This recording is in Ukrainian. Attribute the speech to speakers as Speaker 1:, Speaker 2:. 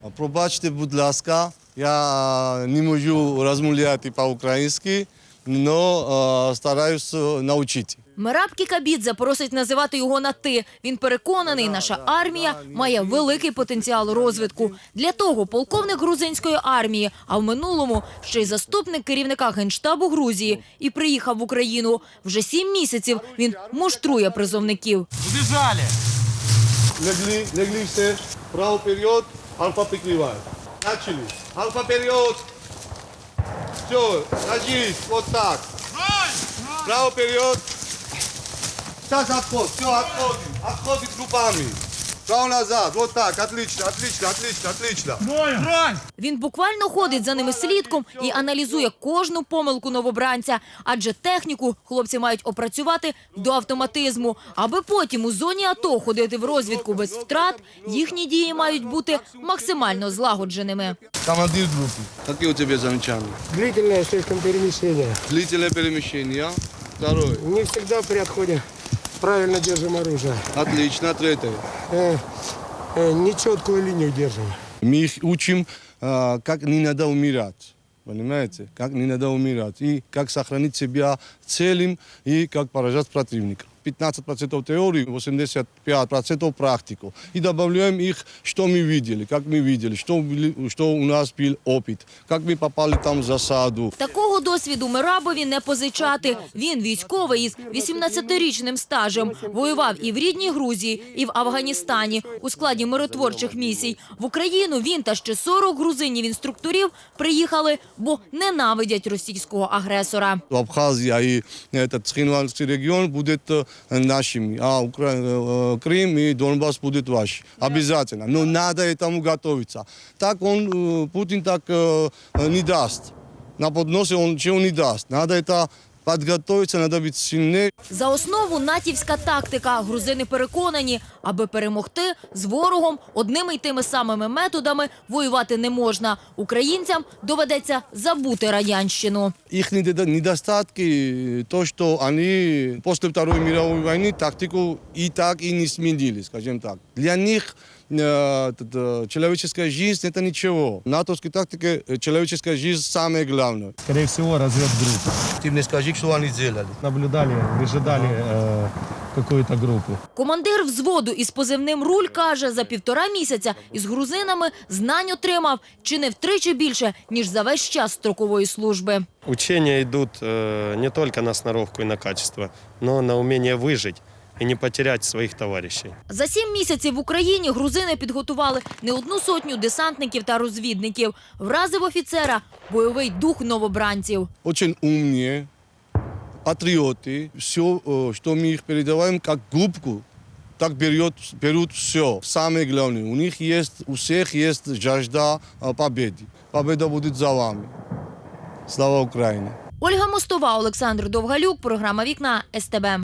Speaker 1: Пробачте, будь ласка, я не можу розмовляти по-українськи, але стараюсь навчити.
Speaker 2: Мераб Кікабідзе просить називати його на «ти». Він переконаний, наша армія має великий потенціал розвитку. Для того полковник грузинської армії, а в минулому ще й заступник керівника Генштабу Грузії, і приїхав в Україну. Вже 7 місяців він муштрує призовників.
Speaker 3: Убежали!
Speaker 1: Легли все, право вперед, альфа прикриває. Начали. Альфа вперед. Все, ложись, вот так. Право вперед. Сейчас отход, все, отходим. Отходим группами. Право назад, вот так, отлично, отлично, отлично, отлично.
Speaker 3: Брань!
Speaker 2: Він буквально ходить за ними слідком і аналізує кожну помилку новобранця. Адже техніку хлопці мають опрацювати до автоматизму. Аби потім у зоні АТО ходити в розвідку без втрат, їхні дії мають бути максимально злагодженими.
Speaker 1: Командир группы. Какие у тебя замечания?
Speaker 4: Длительное слишком перемещение.
Speaker 1: Длительное перемещение. Второе.
Speaker 4: Не всегда при отходе правильно держим оружие.
Speaker 1: Отлично. Третье.
Speaker 4: Нечеткую линию держим.
Speaker 1: Мы их учим, как не надо умирать. Понимаете? Как не надо умирать. И как сохранить себя целым, и как поражать противника. 15% теории, 85% практику. И добавляем их, что мы видели, как мы видели, что у нас был опыт, как мы попали там в засаду.
Speaker 2: Такого досвіду Мерабові не позичати. Він військовий із 18-річним стажем. Воював і в рідній Грузії, і в Афганістані у складі миротворчих місій. В Україну він та ще 40 грузинів-інструкторів приїхали, бо ненавидять російського агресора.
Speaker 1: Абхазия и этот Цхинвальский регион будет нашими, а Крым и Донбасс будут ваши. Обязательно. Но надо этому готовиться. Так Путин так не даст. На подносе он чего не даст. Надо это подготовиться, надо быть сильнее.
Speaker 2: За основу натівська тактика. Грузини переконані, аби перемогти, з ворогом одними й тими самими методами воювати не можна. Українцям доведеться забути радянщину.
Speaker 1: Их недостатки, то, что они после Второй мировой войны тактику и так и не сменили, скажем так. Для них человеческая жизнь – это ничего. В натовской тактике человеческая жизнь – самое главное.
Speaker 3: Скорее всего, разведгруппа.
Speaker 1: Ты мне скажи, что они делали.
Speaker 3: Наблюдали, выжидали какую-то группу.
Speaker 2: Командир взводу із позивним «Руль» каже, за 1,5 місяця із грузинами знань отримав чи не втричі більше, ніж за весь час строкової служби.
Speaker 5: Учения идут не только на сноровку и на качество, но на умение выжить и не потерять своих товарищей.
Speaker 2: За 7 місяців в Україні грузини підготували не 100 десантників та розвідників. Вразив офіцера бойовий дух новобранців.
Speaker 1: Очень умные, патриоты. Все, что мы их передаваем, как губку, так берут все. Самое главное, у всех есть жажда победы. Победа будет за вами. Слава Украине!
Speaker 2: Ольга Мостова, Олександр Довгалюк, програма «Вікна», СТБ.